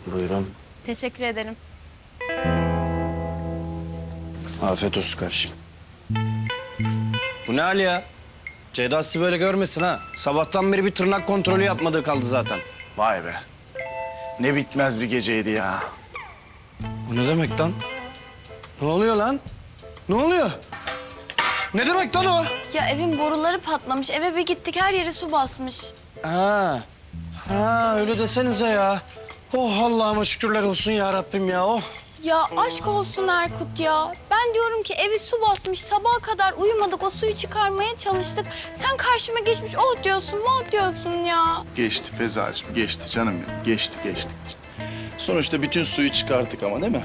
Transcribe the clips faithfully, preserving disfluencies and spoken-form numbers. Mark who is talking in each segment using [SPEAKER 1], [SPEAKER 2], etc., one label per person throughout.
[SPEAKER 1] Buyurun.
[SPEAKER 2] Teşekkür ederim.
[SPEAKER 1] Afiyet olsun kardeşim. Bu ne hal ya? Ceyda sizi böyle görmesin ha. Sabahtan beri bir tırnak kontrolü yapmadığı kaldı zaten.
[SPEAKER 3] Vay be. Ne bitmez bir geceydi ya.
[SPEAKER 1] Bu ne demek lan? Ne oluyor lan? Ne oluyor? Ne demek lan o?
[SPEAKER 2] Ya evin boruları patlamış. Eve bir gittik her yere su basmış.
[SPEAKER 1] Ha. Ha öyle desenize ya. Oh Allah'ıma şükürler olsun ya Rabbim ya. Oh.
[SPEAKER 2] Ya aşk olsun Erkut ya. Ben diyorum ki evi su basmış. Sabaha kadar uyumadık. O suyu çıkarmaya çalıştık. Sen karşıma geçmiş. Oh diyorsun, oh diyorsun ya.
[SPEAKER 3] Geçti Fezacığım, geçti canım benim. Geçti, geçti, geçti. Sonuçta bütün suyu çıkarttık ama değil mi?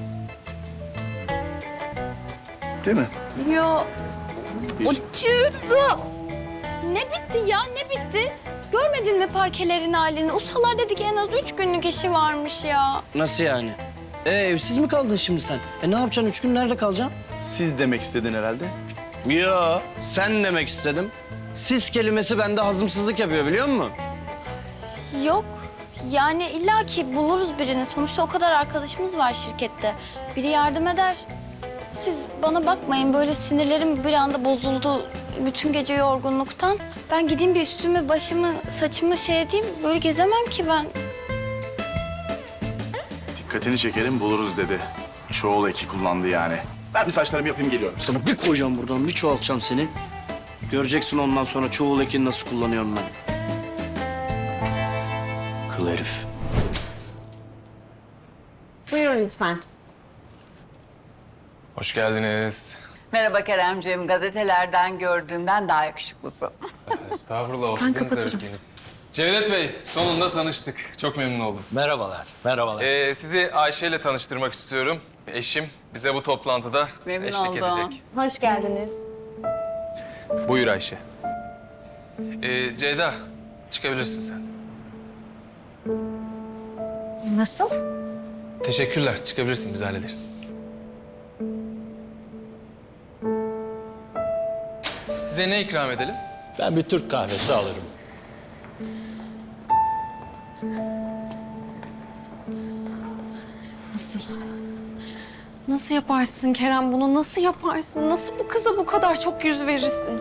[SPEAKER 3] Değil mi?
[SPEAKER 2] Ya o tüh. Ne bitti ya, ne bitti? Görmedin mi parkelerin halini? Ustalar dedi ki en az üç günlük işi varmış ya.
[SPEAKER 1] Nasıl yani? E, evsiz mi kaldın şimdi sen? E ne yapacaksın? Üç gün nerede kalacaksın?
[SPEAKER 3] Siz demek istedin herhalde.
[SPEAKER 1] Yo, sen demek istedim. Siz kelimesi bende hazımsızlık yapıyor biliyor musun?
[SPEAKER 2] Yok. Yani illaki buluruz birini. Sonuçta o kadar arkadaşımız var şirkette. Biri yardım eder. Siz bana bakmayın. Böyle sinirlerim bir anda bozuldu. Bütün gece yorgunluktan. Ben gideyim bir üstümü, başımı, saçımı şey edeyim. Böyle gezemem ki ben.
[SPEAKER 3] Dikkatini çekelim buluruz dedi. Çoğul eki kullandı yani. Ben bir saçlarımı yapayım geliyorum.
[SPEAKER 1] Sana bir koyacağım buradan, bir çoğaltacağım seni. Göreceksin ondan sonra çoğul ekini nasıl kullanıyorum ben. Kıl herif.
[SPEAKER 4] Buyurun lütfen.
[SPEAKER 5] Hoş geldiniz.
[SPEAKER 6] Merhaba Keremciğim. Gazetelerden gördüğümden daha yakışıklısın.
[SPEAKER 5] Estağfurullah, ofisiniz de bekleriz. Cevdet Bey, sonunda tanıştık. Çok memnun oldum.
[SPEAKER 7] Merhabalar, merhabalar.
[SPEAKER 5] Ee, sizi Ayşe ile tanıştırmak istiyorum. Eşim bize bu toplantıda
[SPEAKER 6] Memnun
[SPEAKER 5] eşlik
[SPEAKER 6] oldum.
[SPEAKER 5] edecek.
[SPEAKER 4] Hoş geldiniz.
[SPEAKER 5] Buyur Ayşe. Ee, Ceyda, çıkabilirsin sen.
[SPEAKER 4] Nasıl?
[SPEAKER 5] Teşekkürler, çıkabilirsin. Biz hallederiz. Size ne ikram edelim?
[SPEAKER 7] Ben bir Türk kahvesi alırım.
[SPEAKER 8] Nasıl? Nasıl yaparsın Kerem bunu? Nasıl yaparsın? Nasıl bu kıza bu kadar çok yüz verirsin?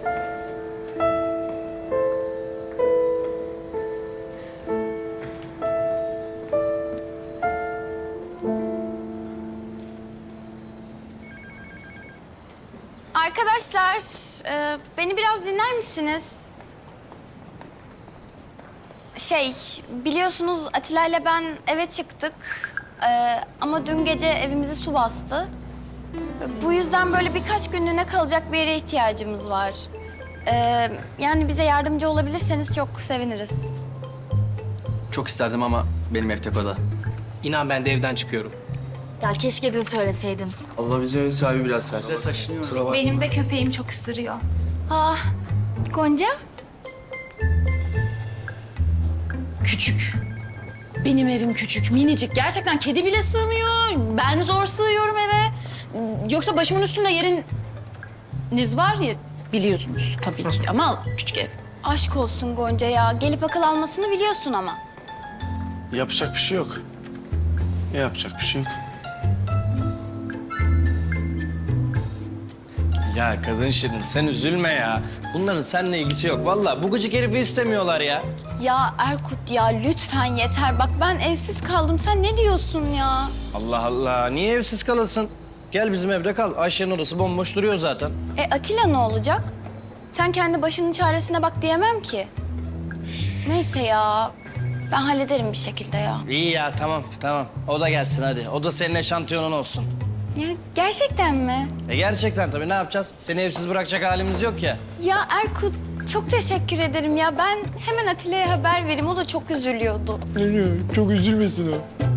[SPEAKER 2] Arkadaşlar, e, beni biraz dinler misiniz? Şey, biliyorsunuz Atilla ile ben eve çıktık. E, ama dün gece evimizi su bastı. Bu yüzden böyle birkaç günlüğüne kalacak bir yere ihtiyacımız var. E, yani bize yardımcı olabilirseniz çok seviniriz.
[SPEAKER 9] Çok isterdim ama benim ev tek oda.
[SPEAKER 10] İnan ben de evden çıkıyorum.
[SPEAKER 4] Ya keşke dün söyleseydin.
[SPEAKER 9] Allah bizim evin sahibi biraz sert.
[SPEAKER 2] Benim de köpeğim çok ısırıyor. Ah, Gonca?
[SPEAKER 8] Küçük. Benim evim küçük, minicik. Gerçekten kedi bile sığmıyor. Ben zor sığıyorum eve. Yoksa başımın üstünde yeriniz var ya biliyorsunuz tabii ki ama küçük ev.
[SPEAKER 2] Aşk olsun Gonca ya. Gelip akıl almasını biliyorsun ama.
[SPEAKER 3] Yapacak bir şey yok. Yapacak bir şey yok.
[SPEAKER 1] Ya kadın şirin sen üzülme ya. Bunların seninle ilgisi yok. Vallahi bu gıcık herifi istemiyorlar ya.
[SPEAKER 2] Ya Erkut ya lütfen yeter. Bak ben evsiz kaldım. Sen ne diyorsun ya?
[SPEAKER 1] Allah Allah. Niye evsiz kalasın? Gel bizim evde kal. Ayşe'nin odası bomboş duruyor zaten.
[SPEAKER 2] E Atilla ne olacak? Sen kendi başının çaresine bak diyemem ki. Neyse ya. Ben hallederim bir şekilde ya.
[SPEAKER 1] İyi ya tamam tamam. O da gelsin hadi. O da senin eşantiyonun olsun.
[SPEAKER 2] Ya gerçekten mi?
[SPEAKER 1] E gerçekten tabii ne yapacağız? Seni evsiz bırakacak halimiz yok ya.
[SPEAKER 2] Ya Erkut çok teşekkür ederim ya. Ben hemen Atilla'ya haber vereyim. O da çok üzülüyordu.
[SPEAKER 1] Çok üzülmesin o.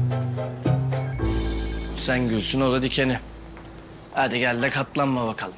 [SPEAKER 1] Sen gülsün o da dikeni. Hadi gel de katlanma bakalım.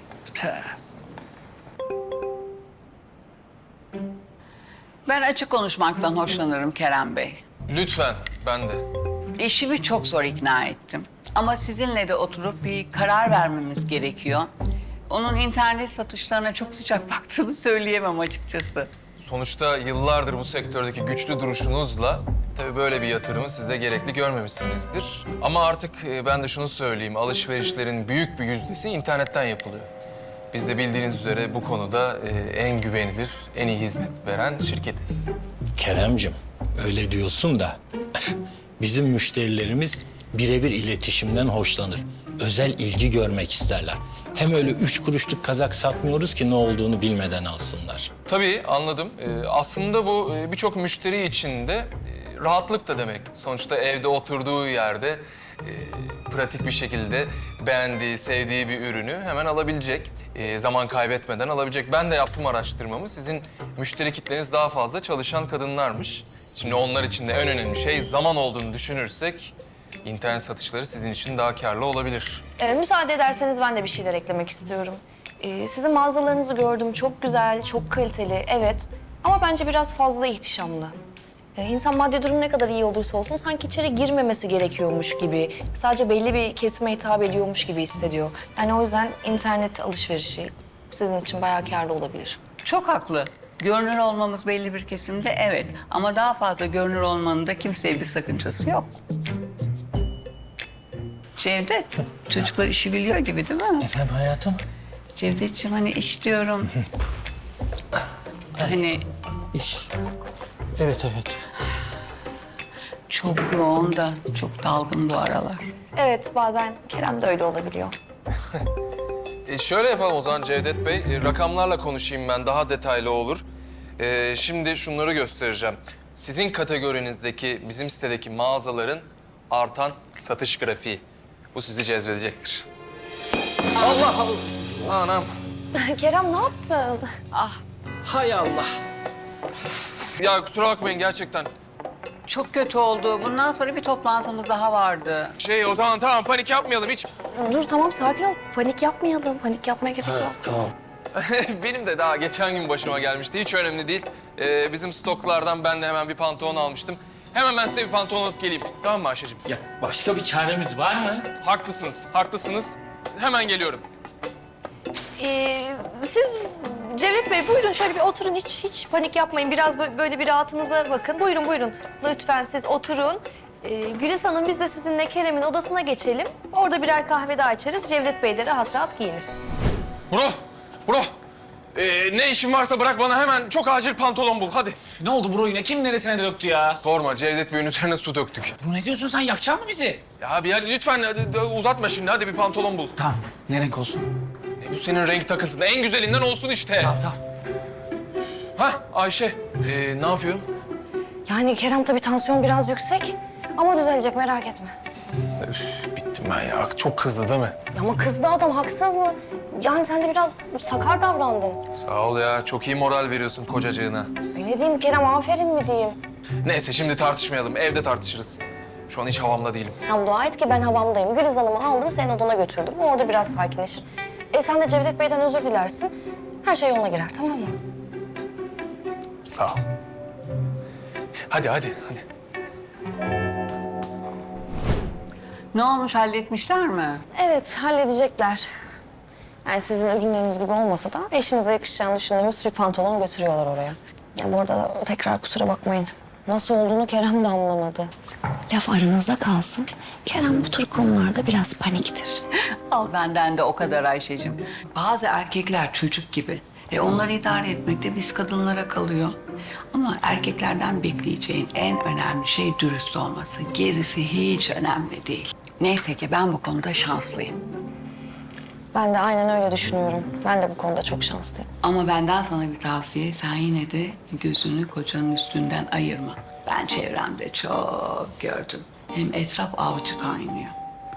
[SPEAKER 6] Ben açık konuşmaktan hoşlanırım Kerem Bey.
[SPEAKER 5] Lütfen, ben de.
[SPEAKER 6] Eşimi çok zor ikna ettim. Ama sizinle de oturup bir karar vermemiz gerekiyor. Onun internet satışlarına çok sıcak baktığını söyleyemem açıkçası.
[SPEAKER 5] Sonuçta yıllardır bu sektördeki güçlü duruşunuzla Tabii böyle bir yatırımı siz de gerekli görmemişsinizdir. Ama artık e, ben de şunu söyleyeyim, alışverişlerin büyük bir yüzdesi internetten yapılıyor. Biz de bildiğiniz üzere bu konuda e, en güvenilir, en iyi hizmet veren şirketiz.
[SPEAKER 7] Keremcim, öyle diyorsun da bizim müşterilerimiz birebir iletişimden hoşlanır. Özel ilgi görmek isterler. Hem öyle üç kuruşluk kazak satmıyoruz ki ne olduğunu bilmeden alsınlar.
[SPEAKER 5] Tabii anladım. Ee, aslında bu e, birçok müşteri için de e, rahatlık da demek. Sonuçta evde oturduğu yerde e, pratik bir şekilde beğendiği, sevdiği bir ürünü hemen alabilecek. E, zaman kaybetmeden alabilecek. Ben de yaptım araştırmamı. Sizin müşteri kitleniz daha fazla çalışan kadınlarmış. Şimdi onlar için de en önemli şey zaman olduğunu düşünürsek internet satışları sizin için daha karlı olabilir.
[SPEAKER 11] Ee, müsaade ederseniz ben de bir şeyler eklemek istiyorum. Ee, sizin mağazalarınızı gördüm. Çok güzel, çok kaliteli, evet. Ama bence biraz fazla ihtişamlı. Ee, insan maddi durum ne kadar iyi olursa olsun sanki içeri girmemesi gerekiyormuş gibi, sadece belli bir kesime hitap ediyormuş gibi hissediyor. Yani o yüzden internet alışverişi sizin için bayağı kârlı olabilir.
[SPEAKER 6] Çok haklı. Görünür olmamız belli bir kesimde evet. Ama daha fazla görünür olmanın da kimseye bir sakıncası yok. Cevdet, çocuklar işi biliyor gibi değil mi?
[SPEAKER 7] Efendim hayatım?
[SPEAKER 6] Cevdetciğim hani iş diyorum. Hani
[SPEAKER 7] İş. Evet, evet.
[SPEAKER 6] çok yoğun da çok dalgın bu aralar.
[SPEAKER 11] Evet, bazen Kerem de öyle olabiliyor.
[SPEAKER 5] E şöyle yapalım o zaman Cevdet Bey. E, rakamlarla konuşayım ben, daha detaylı olur. E, şimdi şunları göstereceğim. Sizin kategorinizdeki, bizim sitedeki mağazaların artan satış grafiği. Bu sizi cezbedecektir. Allah Allah! Anam!
[SPEAKER 11] Kerem ne yaptın?
[SPEAKER 10] Hay Allah.
[SPEAKER 5] Ya kusura bakmayın gerçekten.
[SPEAKER 6] Çok kötü oldu. Bundan sonra bir toplantımız daha vardı.
[SPEAKER 5] Şey o zaman tamam panik yapmayalım hiç.
[SPEAKER 11] Dur tamam sakin ol. Panik yapmayalım. Panik yapmaya gerek yok.
[SPEAKER 7] Tamam.
[SPEAKER 5] Benim de daha geçen gün başıma gelmişti. Hiç önemli değil. Ee, bizim stoklardan ben de hemen bir pantolon almıştım. Hemen ben size bir pantolon alıp geleyim. Tamam mı Ayşe'cim?
[SPEAKER 7] Ya başka bir çaremiz var mı?
[SPEAKER 5] Haklısınız, haklısınız. Hemen geliyorum.
[SPEAKER 11] Ee, siz Cevdet Bey buyurun şöyle bir oturun. Hiç hiç panik yapmayın. Biraz bö- böyle bir rahatınıza bakın. Buyurun buyurun. Lütfen siz oturun. Ee, Güliz Hanım biz de sizinle Kerem'in odasına geçelim. Orada birer kahve daha içeriz. Cevdet Bey de rahat rahat giyinir.
[SPEAKER 5] Bro, bro. Ee, ne işin varsa bırak bana hemen çok acil pantolon bul. Hadi.
[SPEAKER 9] Ne oldu bro yine? Kim neresine döktü ya?
[SPEAKER 5] Sorma Cevdet Bey'in üzerine su döktük.
[SPEAKER 9] Bro ne diyorsun sen? Yakacak mı bizi?
[SPEAKER 5] Ya abi hadi lütfen hadi, uzatma şimdi. Hadi bir pantolon bul.
[SPEAKER 9] Tamam. Ne renk olsun?
[SPEAKER 5] E, bu senin renk takıntın. En güzelinden olsun işte.
[SPEAKER 9] Tamam tamam.
[SPEAKER 5] Hah Ayşe. Ee, ne yapıyor?
[SPEAKER 11] Yani Kerem tabii tansiyon biraz yüksek. Ama düzelecek merak etme.
[SPEAKER 5] Üf, bittim ben ya. Çok kızdı değil mi?
[SPEAKER 11] Ama kızdı adam haksız mı? Yani sen de biraz sakar davrandın.
[SPEAKER 5] Sağ ol ya. Çok iyi moral veriyorsun kocacığına.
[SPEAKER 11] Ay ne diyeyim Kerem aferin mi diyeyim?
[SPEAKER 5] Neyse şimdi tartışmayalım. Evde tartışırız. Şu an hiç havamda değilim.
[SPEAKER 11] Sen dua et ki ben havamdayım. Güliz Hanım'ı aldım senin odana götürdüm. Orada biraz sakinleşir. E sen de Cevdet Bey'den özür dilersin. Her şey yoluna girer tamam mı?
[SPEAKER 5] Sağ ol. Hadi hadi hadi.
[SPEAKER 6] Ne olmuş halletmişler mi?
[SPEAKER 11] Evet halledecekler. Yani sizin ürünleriniz gibi olmasa da eşinize yakışacağını düşündüğümüz bir pantolon götürüyorlar oraya. Ya bu arada tekrar kusura bakmayın. Nasıl olduğunu Kerem de anlamadı. Laf aranızda kalsın. Kerem bu tür konularda biraz paniktir.
[SPEAKER 6] Al benden de o kadar Ayşe'cim. Bazı erkekler çocuk gibi. E onları idare etmek de biz kadınlara kalıyor. Ama erkeklerden bekleyeceğin en önemli şey dürüst olması. Gerisi hiç önemli değil. Neyse ki ben bu konuda şanslıyım.
[SPEAKER 11] Ben de aynen öyle düşünüyorum. Ben de bu konuda çok şanslıyım.
[SPEAKER 6] Ama benden sana bir tavsiye. Sen yine de gözünü kocanın üstünden ayırma. Ben çevremde çok gördüm. Hem etraf avcı kaynıyor.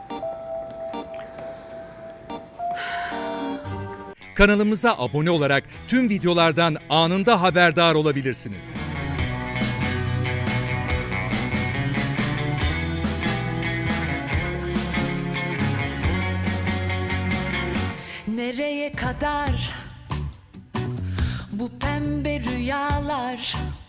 [SPEAKER 12] Kanalımıza abone olarak tüm videolardan anında haberdar olabilirsiniz.
[SPEAKER 13] Nereye kadar bu pembe rüyalar?